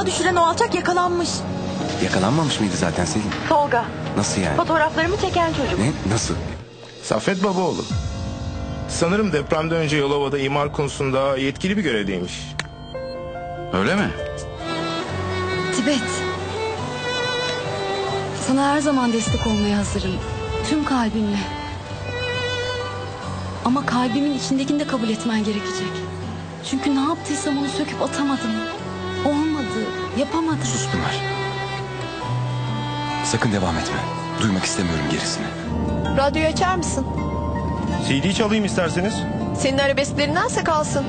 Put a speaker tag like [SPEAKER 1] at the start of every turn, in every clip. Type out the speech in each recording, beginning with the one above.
[SPEAKER 1] tuzağa düşüren o alçak yakalanmış.
[SPEAKER 2] Yakalanmamış mıydı zaten Selin?
[SPEAKER 1] Tolga.
[SPEAKER 2] Nasıl yani?
[SPEAKER 1] Fotoğraflarımı çeken çocuk.
[SPEAKER 2] Ne? Nasıl?
[SPEAKER 3] Saffet Babaoğlu. Sanırım depremden önce Yalova'da imar konusunda yetkili bir görevdeymiş.
[SPEAKER 2] Öyle mi?
[SPEAKER 4] Tibet. Sana her zaman destek olmaya hazırım. Tüm kalbimle. Ama kalbimin içindekini de kabul etmen gerekecek. Çünkü ne yaptıysam onu söküp atamadım. Olmadı, yapamadım.
[SPEAKER 2] Sus Pınar. Sakın devam etme. Duymak istemiyorum gerisini.
[SPEAKER 5] Radyoyu açar mısın?
[SPEAKER 3] CD çalayım isterseniz.
[SPEAKER 5] Senin arabesklerindense kalsın.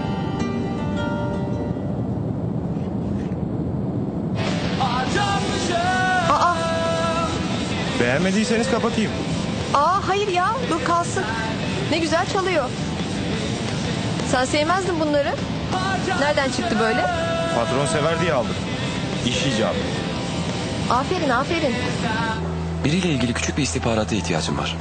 [SPEAKER 5] Aa,
[SPEAKER 3] Beğenmediyseniz kapatayım.
[SPEAKER 5] hayır ya, dur kalsın. Ne güzel çalıyor. Sen sevmezdin bunları. Nereden çıktı böyle?
[SPEAKER 3] Patron sever diye aldım. İş icabı.
[SPEAKER 5] Aferin, aferin.
[SPEAKER 2] Biriyle ilgili küçük bir istihbarata ihtiyacım var.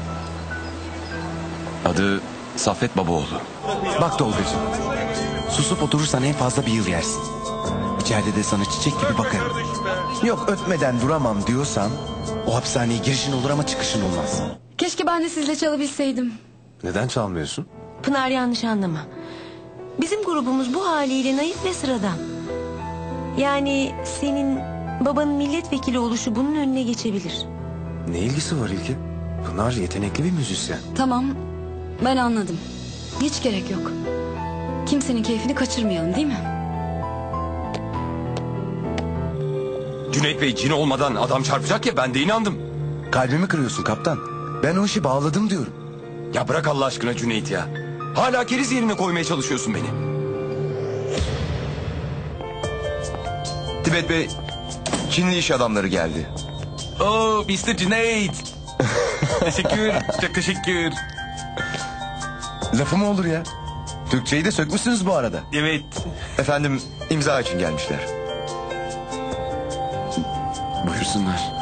[SPEAKER 2] Adı Saffet Babaoğlu. Bak Tolgacığım. Susup oturursan en fazla bir yıl yersin. İçeride de sana çiçek gibi bakarım. Yok ötmeden duramam diyorsan o hapishaneye girişin olur ama çıkışın olmaz.
[SPEAKER 4] Keşke ben de sizle çalabilseydim.
[SPEAKER 2] Neden çalmıyorsun?
[SPEAKER 1] Pınar, yanlış anlama. Bizim grubumuz bu haliyle naif ve sıradan. Yani senin babanın milletvekili oluşu bunun önüne geçebilir.
[SPEAKER 2] Ne ilgisi var İlki? Pınar yetenekli bir müzisyen.
[SPEAKER 4] Tamam, ben anladım. Hiç gerek yok. Kimsenin keyfini kaçırmayalım, değil mi?
[SPEAKER 2] Cüneyt Bey cin olmadan adam çarpacak ya, ben de inandım. Kalbimi kırıyorsun kaptan. Ben o işi bağladım diyorum. Ya bırak Allah aşkına Cüneyt ya. Hala keriz yerine koymaya çalışıyorsun beni.
[SPEAKER 6] Tibet Bey, Çinli iş adamları geldi.
[SPEAKER 2] Oh Mr. Cüneyt. Teşekkür, çok teşekkür.
[SPEAKER 6] Lafı mı olur ya? Türkçeyi de sökmüşsünüz bu arada.
[SPEAKER 2] Evet.
[SPEAKER 6] Efendim, imza için gelmişler.
[SPEAKER 2] Buyursunlar.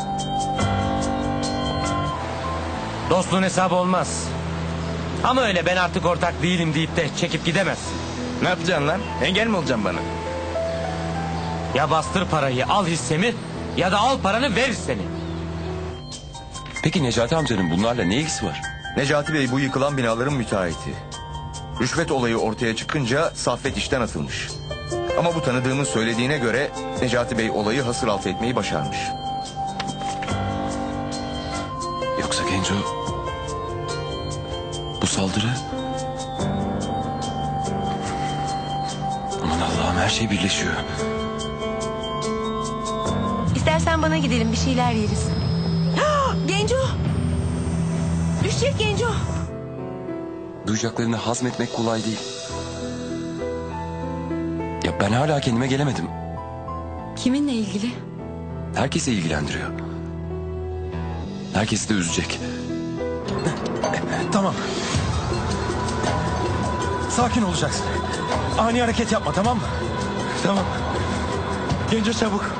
[SPEAKER 7] Dostluğun hesabı olmaz. Ama öyle ben artık ortak değilim deyip de çekip gidemezsin.
[SPEAKER 3] Ne yapacaksın lan? Engel mi olacaksın bana?
[SPEAKER 7] Ya bastır parayı al hissemi ya da al paranı ver hisseni.
[SPEAKER 2] Peki Necati amcanın bunlarla ne ilgisi var?
[SPEAKER 6] Necati Bey bu yıkılan binaların müteahhiti. Rüşvet olayı ortaya çıkınca Saffet işten atılmış. Ama bu tanıdığımın söylediğine göre Necati Bey olayı hasır altı etmeyi başarmış.
[SPEAKER 2] Yoksa Genco... Bu saldırı... Aman Allah'ım, her şey birleşiyor.
[SPEAKER 1] İstersen bana gidelim, bir şeyler yeriz. Genco! Düşecek Genco!
[SPEAKER 2] Duyacaklarını hazmetmek kolay değil. Ya ben hala kendime gelemedim.
[SPEAKER 4] Kiminle ilgili?
[SPEAKER 2] Herkesi ilgilendiriyor. Herkesi de üzecek.
[SPEAKER 8] Tamam. Sakin olacaksın. Ani hareket yapma, tamam mı? Tamam. Genco çabuk.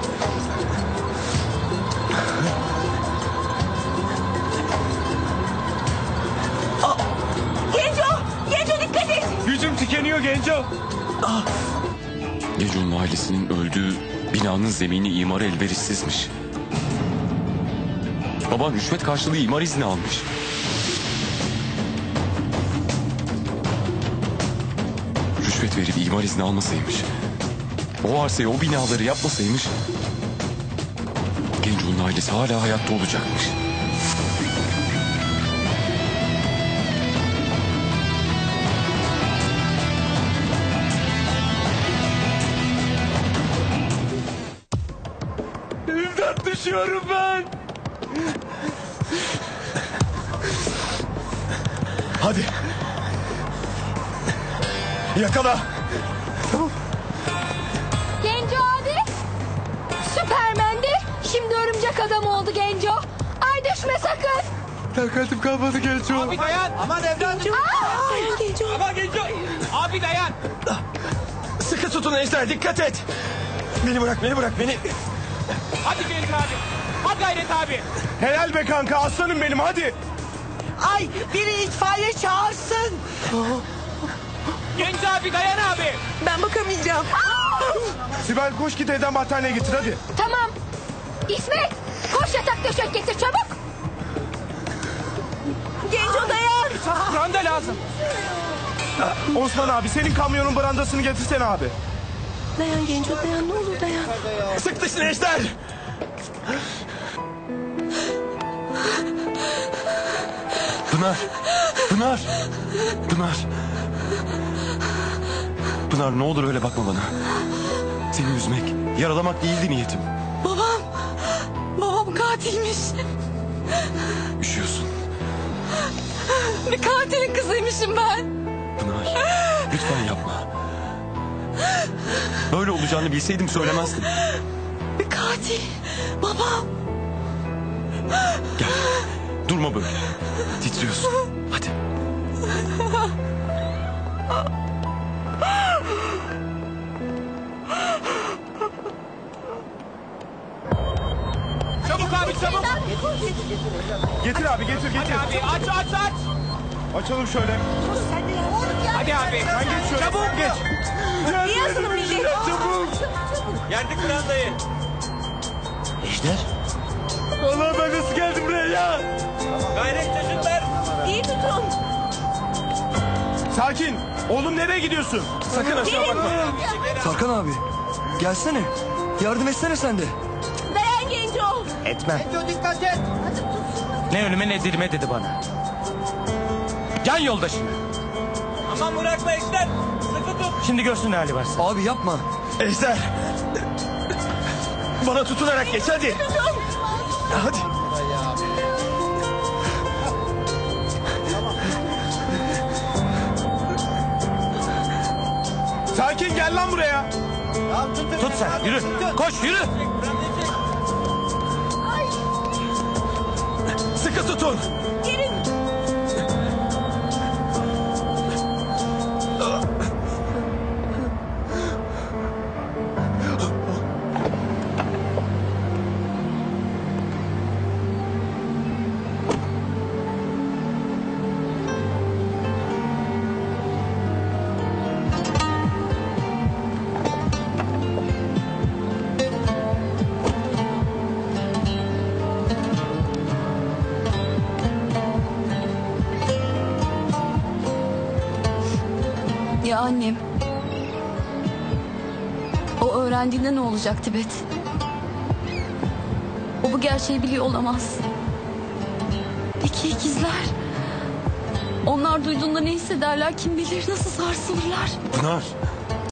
[SPEAKER 1] Genco! Genco dikkat et!
[SPEAKER 8] Gücüm tükeniyor Genco.
[SPEAKER 2] Genco'nun ailesinin öldüğü binanın zemini imara elverişsizmiş. Baban rüşvet karşılığı imar izni almış. Rüşvet verip imar izni almasaymış, o arsayı, o binaları yapmasaymış, Genco'nun ailesi hala hayatta olacakmış.
[SPEAKER 8] İmdat, düşüyorum ben. Hadi. Yakala.
[SPEAKER 9] Genco abi. Süpermendi. Şimdi örümcek adam oldu Genco. Ay düşme sakın.
[SPEAKER 8] Takatim kalmadı Genco.
[SPEAKER 7] Abi dayan. Aman evladım.
[SPEAKER 1] Genco!
[SPEAKER 7] Aman Genco. Abi dayan.
[SPEAKER 8] Sıkı tutun Ejder, dikkat et. Beni bırak, beni.
[SPEAKER 7] Hadi Genco abi. Hadi gayret abi.
[SPEAKER 8] Helal be kanka, aslanım benim, hadi.
[SPEAKER 1] Ay, biri itfaiye çağırsın!
[SPEAKER 7] Genco abi dayan abi.
[SPEAKER 1] Ben bakamayacağım.
[SPEAKER 3] Sibel koş git evden battaniye getir hadi.
[SPEAKER 9] Tamam. İsmet koş yatak döşek getir çabuk.
[SPEAKER 1] Genco dayan.
[SPEAKER 8] Branda lazım.
[SPEAKER 3] Osman abi senin kamyonun brandasını getirsene abi.
[SPEAKER 1] Dayan Genco dayan ne olur dayan.
[SPEAKER 8] Sık dışını Ejder. Pınar. Pınar. Pınar. Pınar ne olur öyle bakma bana. Seni üzmek, yaralamak değildi niyetim.
[SPEAKER 4] Babam katilmiş.
[SPEAKER 8] Üşüyorsun.
[SPEAKER 4] Bir katilin kızıymışım ben.
[SPEAKER 8] Pınar, lütfen yapma. Böyle olacağını bilseydim söylemezdim.
[SPEAKER 4] Bir katil. Babam.
[SPEAKER 8] Gel, durma böyle. Titriyorsun. Hadi.
[SPEAKER 3] Çabuk abi çabuk. Getir abi getir.
[SPEAKER 8] Abi aç.
[SPEAKER 3] Açalım şöyle.
[SPEAKER 8] Hadi abi.
[SPEAKER 3] Sen geç şöyle.
[SPEAKER 8] Çabuk geç.
[SPEAKER 1] İyi yazılım millet.
[SPEAKER 3] Çabuk.
[SPEAKER 8] Yerdik brandayı. Ejder.
[SPEAKER 3] Allah ben nasıl geldim buraya ya?
[SPEAKER 8] Gayret çocuklar.
[SPEAKER 1] İyi tutun.
[SPEAKER 3] Sakin. Oğlum nereye gidiyorsun?
[SPEAKER 8] Sakın aşağı bakma.
[SPEAKER 10] Tarkan abi gelsene. Yardım etsene sen de.
[SPEAKER 1] Dayan Genco.
[SPEAKER 3] Etmem.
[SPEAKER 7] Ne ölüme ne dirime dedi bana. Can yoldaşına.
[SPEAKER 8] Aman bırakma Ejder. Sıkı tut.
[SPEAKER 7] Şimdi görsün ne hali varsa.
[SPEAKER 10] Abi yapma.
[SPEAKER 8] Ejder. Bana tutunarak geç hadi. Hadi.
[SPEAKER 3] Sakin gel lan buraya.
[SPEAKER 7] Tut sen yürü. Koş yürü.
[SPEAKER 8] Sıkı tutun.
[SPEAKER 1] Gelin.
[SPEAKER 4] Ya annem. O öğrendiğinde ne olacak Tibet? O bu gerçeği biliyor olamaz. Peki ikizler? Onlar duyduğunda ne hissederler kim bilir nasıl sarsılırlar?
[SPEAKER 8] Pınar.